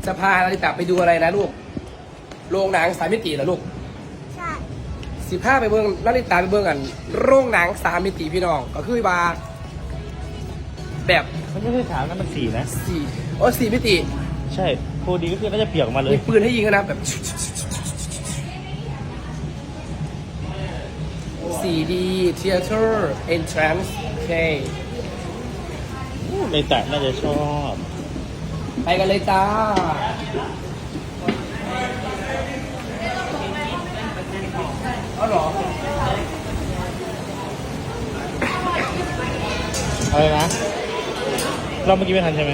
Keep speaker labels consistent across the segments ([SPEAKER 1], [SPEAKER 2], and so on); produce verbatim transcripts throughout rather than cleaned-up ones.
[SPEAKER 1] จะพานาริตะไปดูอะไรนะลูกโรงหนังสามมิติเหรอลูก
[SPEAKER 2] ใช่
[SPEAKER 1] สิบห้าไปเบิ้งนาริตะไปเบิ้งกันโรงหนังสามมิติพี่น้องก็คือบาแบบ
[SPEAKER 3] มันไม่ใช่ถามนั้นมันสี่นะ
[SPEAKER 1] สี่โอ้สี่มิติ
[SPEAKER 3] ใช่โฟดีก็คือน่าจะเปียกออกมาเลย
[SPEAKER 1] มีปืนให้ยิงนะแบบ สี่ดี Theater Entrance โอเค
[SPEAKER 3] ในแต่น่าจะชอบ
[SPEAKER 1] ไปกันเลยจ้าเอาหรอ
[SPEAKER 3] อะไรนะเราเมื่อกี้ไม่ทันใช่ไหม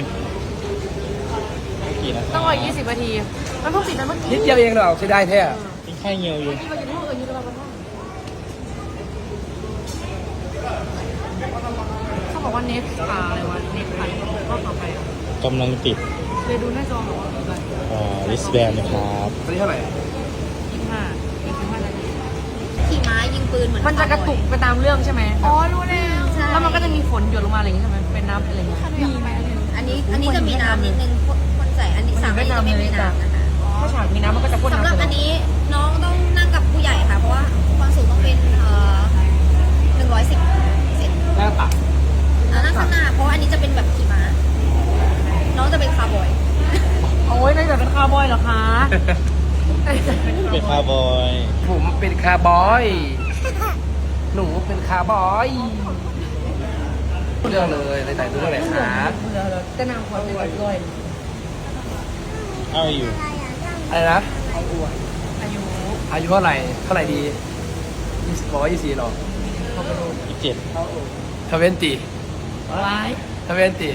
[SPEAKER 3] กี่นะ
[SPEAKER 4] ต้องรอยี่สิบนาที มันเพิ่งปิดนะเมื่อกี้
[SPEAKER 1] นิดเดียวเองเหรอใช้ได้แท้
[SPEAKER 3] เป็นแค่เงียวอยู่
[SPEAKER 4] ที่มาอยู่ในห้องอื่นอยู่ตลอดเวลาเขาบอกว่าเน็ตอ่าอะไรวะเน็ตผ่านรอบต่อไปอะ
[SPEAKER 3] กำลังติด
[SPEAKER 4] เลยดูหน้าจอหรอว่าอะไร
[SPEAKER 3] อ่าลิสแบนนะครับ
[SPEAKER 1] ตอนนี้เท่าไหร่
[SPEAKER 4] ยี่สิบห้ายี่สิบห้านาที
[SPEAKER 2] ขี่ม้ายิงปืนเหมือน
[SPEAKER 4] มันจะกระตุกไปตามเรื่องใช่ไหม
[SPEAKER 2] อ๋อรู้แล้ว
[SPEAKER 4] แล้วมันก็จะมีฝนหยดลงมาอะไรอย่างงี้ใช่ไหมเป็นน้ำอะไรอย่างเงี้ยมีไหม
[SPEAKER 2] อันนี้อันนี้จะมีน้ำนิดนึงคนใส่อันนี้สามอันนี้จะไม่มีน้ำนะคะ
[SPEAKER 4] ถ้าฉากมีน้ำมันก็จะพ่น
[SPEAKER 2] สำ
[SPEAKER 4] น้ำ
[SPEAKER 2] หรับ
[SPEAKER 4] ใส่
[SPEAKER 2] อันนี้น้องต้องนั่งกับผู้ใหญ่ค่ะ เพราะว่าความสูงต้องเป็นเอ่อหนึ่งร้อยสิบเซน
[SPEAKER 1] หน้าตัก
[SPEAKER 2] แล้วนั่งข้างหน้าเพราะว่าอันนี้จะเป็นแบบขี่ม้าน้องจะเป็นคาร์บอย
[SPEAKER 4] โอ้ยนายแบบเป็นคาวบอยเหรอคะ
[SPEAKER 3] เป็นคาร์บอย
[SPEAKER 1] ผมเป็นคาร์บอย หนูเป็นคาร์บอยเรื่องเลยในแต่ดูเรื่องไหนคะ
[SPEAKER 4] จะนำความเป็นด้วย
[SPEAKER 3] เอาอยู่
[SPEAKER 1] อะไรนะ
[SPEAKER 4] อายุ
[SPEAKER 1] อายุเท่าไหร่เท่าไหร่ดียี่สิบบอกว่ายี่สิบหรอ
[SPEAKER 3] อีกเจ็ด
[SPEAKER 1] ทเวนตี้
[SPEAKER 4] ร้าย
[SPEAKER 1] ทเวนตี้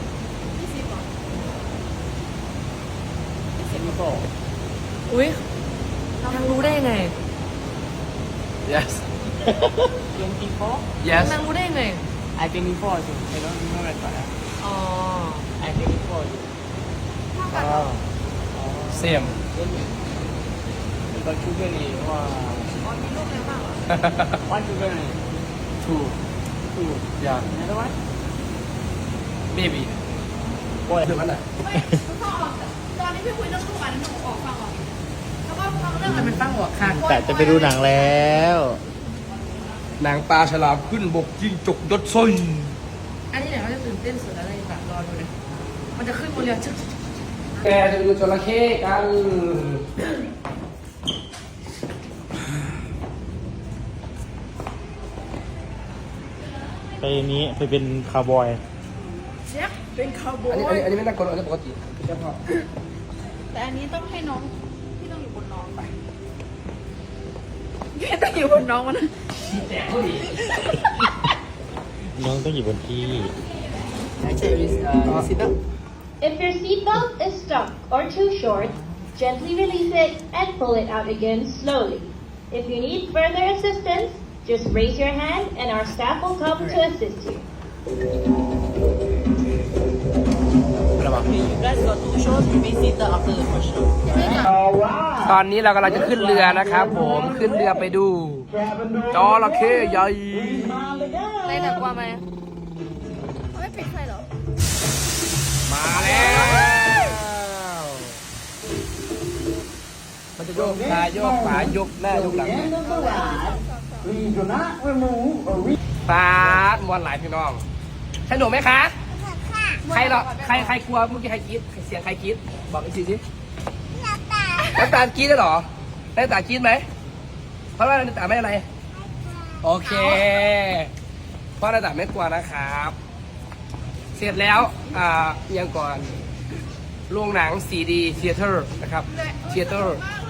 [SPEAKER 4] อุ้ยเรารู้ได้ไง
[SPEAKER 1] yes yes
[SPEAKER 4] นางรู้ได้ไง
[SPEAKER 5] I think before too. I don't remember that.
[SPEAKER 4] อ๋อ
[SPEAKER 5] I think before too.
[SPEAKER 1] อ๋อ same
[SPEAKER 5] But sugar ni wah.
[SPEAKER 4] อ๋อมีลูกแล้วเปล่า
[SPEAKER 5] One sugar ni.
[SPEAKER 1] two
[SPEAKER 5] Two.
[SPEAKER 1] yeah
[SPEAKER 5] Another one?
[SPEAKER 1] baby
[SPEAKER 5] โอ้ย
[SPEAKER 1] เรื่องนั้นอ่ะ
[SPEAKER 2] ตอนนี้พี่คุยเรื่องลูกอันหนูออกฟังออกแล้วก็ฟังเรื่อง
[SPEAKER 4] จะเป็นตั้งหัวค่ะ
[SPEAKER 3] แต่จะไปดูหนังแล้ว
[SPEAKER 1] นางปลาฉลามขึ้นบกยิงจกยศซอย
[SPEAKER 4] อันนี้เนี่ยเขาจะตื่นเต้นสุดอะไรแบบรอดูเลยมันจะขึ้นบนเรือชึก
[SPEAKER 1] แกจะไปดูจระเข้กัน
[SPEAKER 3] ไปนี้ไปเป็นคาร์บอย
[SPEAKER 4] เช็คเป็นคาวบอ
[SPEAKER 1] อันนี้
[SPEAKER 4] ย
[SPEAKER 1] อันนี้อันนี้ไม่น่ากลัวอันนี้ปกติเฉพาะ
[SPEAKER 2] แต่อันนี้ต้องให้น้องที่ต้องอยู่บนน้องไป
[SPEAKER 4] พี่ต้องอยู่บนน้องมันนะ
[SPEAKER 1] แต่ผู้หญิง
[SPEAKER 3] น้องต้องอยู่บนที่
[SPEAKER 5] Actually, uh, sit up.
[SPEAKER 6] If your seatbelt is stuck or too short, gently release it and pull it out again slowly. If you need further assistance, just raise your hand and our staff will come to assist you.
[SPEAKER 1] ระวัง
[SPEAKER 5] You guys got two shows. Maybe sit up after the first show.
[SPEAKER 1] ตอนนี้เรากำลังจะขึ้นเรือนะครับผมขึ้นเรือไปดูจระเข้ใหญ่
[SPEAKER 4] อะไรแต่กลัวไหม
[SPEAKER 2] เขาไม่ปิดไฟเหรอ
[SPEAKER 1] มาแล้วมันจะโยกซ้ายโยกขวายกหน้ายกหลังฟาดมวนหลายพี่น้องสนุกไหมคะใครหรอใครใครกลัวเมื่อกี้ใครกรี๊ดเสียงใครกรี๊ดบอกอีกทีสิน้ำตาลกรี๊ดได้หรอน้ำตาลกรี๊ดไหมเพราะว่าน้ำตาลไม่อะไรโอเคเพราะน้ำตาลไม่กลัวนะครับ เสร็จแล้วอ่ายังก่อนโรงหนัง ซี ดี Theater นะครับ Theater